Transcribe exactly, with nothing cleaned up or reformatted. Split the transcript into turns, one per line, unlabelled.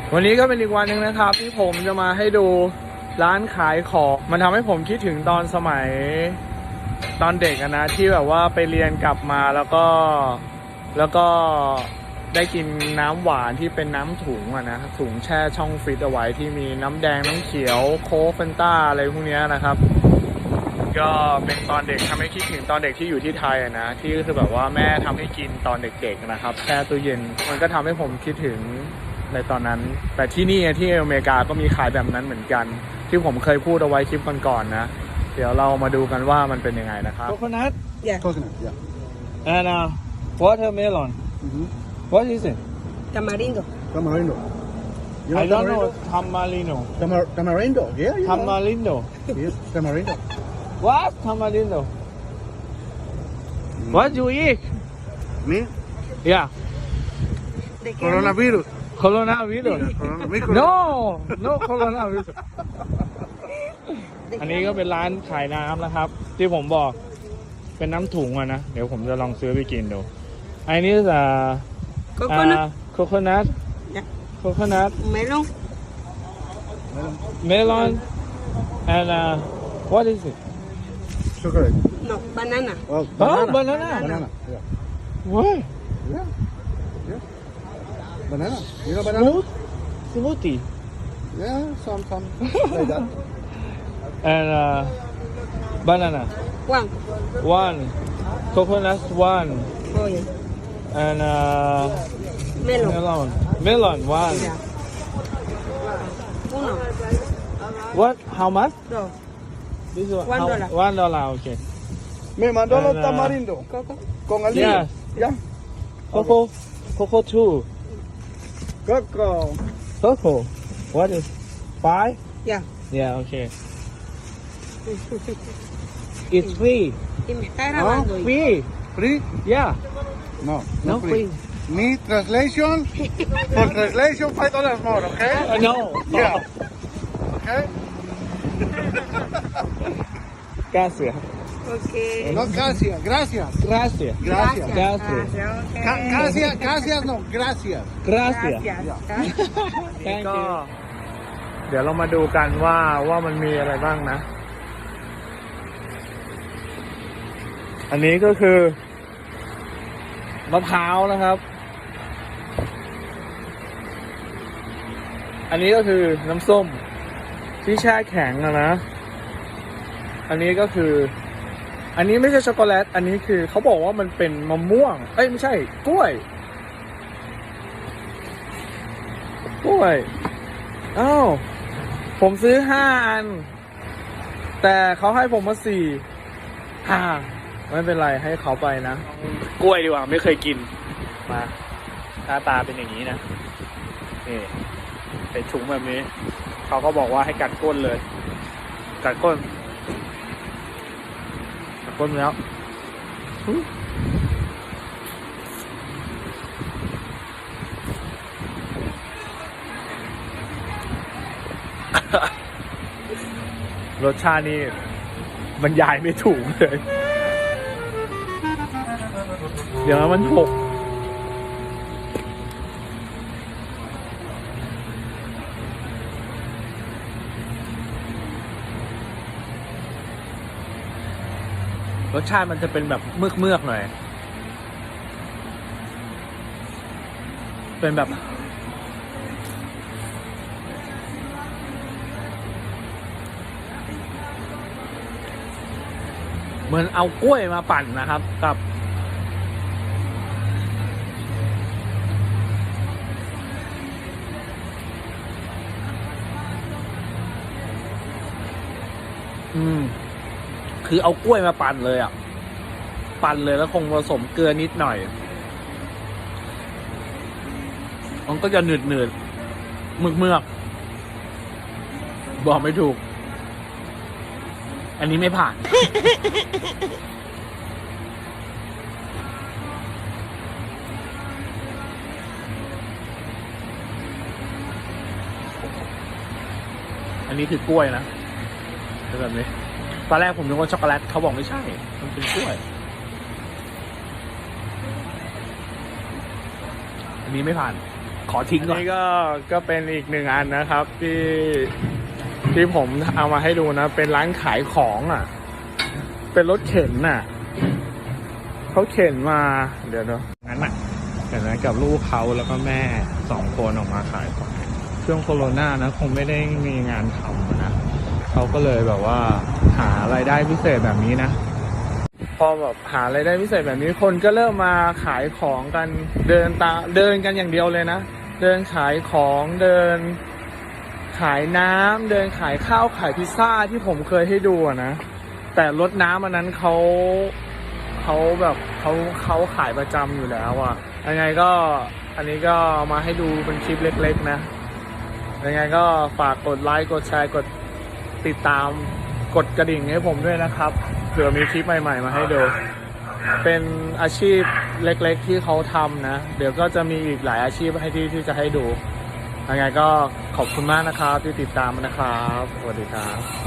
วันนี้ก็เป็นอีกวันหนึ่งนะครับที่ผมจะมาให้ดูร้านขายของมันทำให้ผมคิดถึงตอนสมัยตอนเด็กนะที่แบบว่าไปเรียนกลับมาแล้วก็แล้วก็ได้กินน้ำหวานที่เป็นน้ำถุงอะนะถุงแช่ช่องฟรีซเอาไว้ที่มีน้ำแดงน้ำเขียวโค้กเฟนต้าอะไรพวกนี้นะครับก็เป็นตอนเด็กทำให้คิดถึงตอนเด็กที่อยู่ที่ไทยอะนะที่คือแบบว่าแม่ทำให้กินตอนเด็กๆนะครับแช่ตู้เย็นมันก็ทำให้ผมคิดถึงในตอนนั้นแต่ที่นี่ที่อเมริกาก็มีขายแบบนั้นเหมือนกันที่ผมเคยพูดเอาไว้คลิปก่อนๆนะเดี๋ยวเรามาดูกันว่ามันเป็นยังไงนะครับโคโคนัท
Yeah.
Coconut, yeah.
and uh, watermelon
Mm-hmm.
what is it
Tamarindo.
Tamarindo. You
I don't know
tamarindo?
tamarino
Tamar- tamarindo, yeah, yeah.
tamarindo
Yes, tamarindo.
what tamarindo what you eat
Me?
yeah
¿De qué?
Coronavirus.
coronavirus
Yeah, coronavirus.
no no coronavirus อันนี้ก็เป็นร้านขายน้ำนะครับ ที่ผมบอกเป็นน้ำถุงอะนะ เดี๋ยวผมจะลองซื้อไปกินดูอันนี้จะ
Coconut.
โคโคนัท
Yeah.
โคโคนัท
Melon.
melon and uh, what is it
Chocolate.
No, banana.
Oh,
oh
banana.
banana
Banana, yeah.
what
Yeah. Yeah. Banana. You know banana?
smooth smoothie
Yeah, some, some. Like that.
and uh, banana
One.
one coconut one
Oh, yeah.
and uh,
Melon.
melon melon one
Yeah. Uno.
what how much
Dos.
this one
One
how-
dollar.
one dollar okay
Me mandó
los
los
And, uh,
tamarindos
Coco.
con el
Yeah.
Yeah.
coco coco two
Coco.
coco what is five
Yeah.
yeah okay it's free
Y me está grabando. y-
free
Free?
yeah
No,
no
no
free
free. Me translation. For translation, five dollars more, okay?
uh, no
Yeah. Okay?
gracias
Okay.
No, gracias, gracias.
gracias
Gracias.
Gracias.
Gracias. Okay.
Ca- Gracias, gracias, no, gracias.
gracias
Gracias.
Thank you เดี๋ยวเรามาดูกันว่าว่ามันมีอะไรบ้างนะ อันนี้ก็คือมะพร้าวนะครับ อันนี้ก็คือน้ำส้มที่แช่แข็งอะนะ อันนี้ก็คือ อันนี้ไม่ใช่ช็อกโกแลต อันนี้คือเขาบอกว่ามันเป็นมะม่วง เอ้ยไม่ใช่กล้วย กล้วย อ้าว ผมซื้อห้าอัน แต่เขาให้ผมมาสี่ห้าไม่เป็นไรให้เขาไปนะ กล้วยดีกว่าไม่เคยกิน มาหน้าตาเป็นอย่างนี้นะ นี่ใส่ถุงแบบนี้ เขาก็บอกว่าให้กัดก้นเลย กัดก้น กัดก้นแล้ว รสชาตินี่บรรยายไม่ถูกเลย เดี๋ยวมันหกรสชาติมันจะเป็นแบบเมือกเมือกๆหน่อย เป็นแบบ เหมือนเอากล้วยมาปั่นนะครับกับอืมคือเอากล้วยมาปั่นเลยอ่ะ ปั่นเลยแล้วคงผสมเกลือนิดหน่อย มันก็จะหนืดหนืดเมือกเมือกบอกไม่ถูก อันนี้ไม่ผ่าน อันนี้คือกล้วยนะเป็นแบบนี้ตอนแรกผมนึกว่าช็อกโกแลตเขาบอกไม่ใช่ มันเป็นกล้วย อันนี้ไม่ผ่าน
ขอทิ้งก่อน
นี่ก็ก็เป็นอีกหนึ่งอันนะครับ ที่ที่ผมเอามาให้ดูนะ เป็นร้านขายของอ่ะ เป็นรถเข็นน่ะเขาเข็นมาเดี๋ยวเนาะงั้นน่ะเห็นไหมกับลูกเขาแล้วก็แม่สองคนออกมาขายของช่วงโควิดนะ คงไม่ได้มีงานทำนะเขาก็เลยแบบว่าหารายได้พิเศษแบบนี้นะ พอแบบหารายได้พิเศษแบบนี้คนก็เริ่มมาขายของกันเดินตาเดินกันอย่างเดียวเลยนะเดินขายของเดินขายน้ำเดินขายข้าวขายพิซซ่าที่ผมเคยให้ดูอะนะแต่รถน้ำอันนั้นเขาเขาแบบเขาเขาขายประจำอยู่แล้วอะยังไงก็อันนี้ก็มาให้ดูเป็นคลิปเล็กๆนะยังไงก็ฝากกดไลค์กดแชร์กดติดตามกดกระดิ่งให้ผมด้วยนะครับเผื่อมีคลิปใหม่ๆมาให้ดู เป็นอาชีพเล็กๆที่เขาทำนะเดี๋ยวก็จะมีอีกหลายอาชีพให้ที่ที่จะให้ดูยังไงก็ขอบคุณมากนะครับที่ติดตามนะครับสวัสดีครับ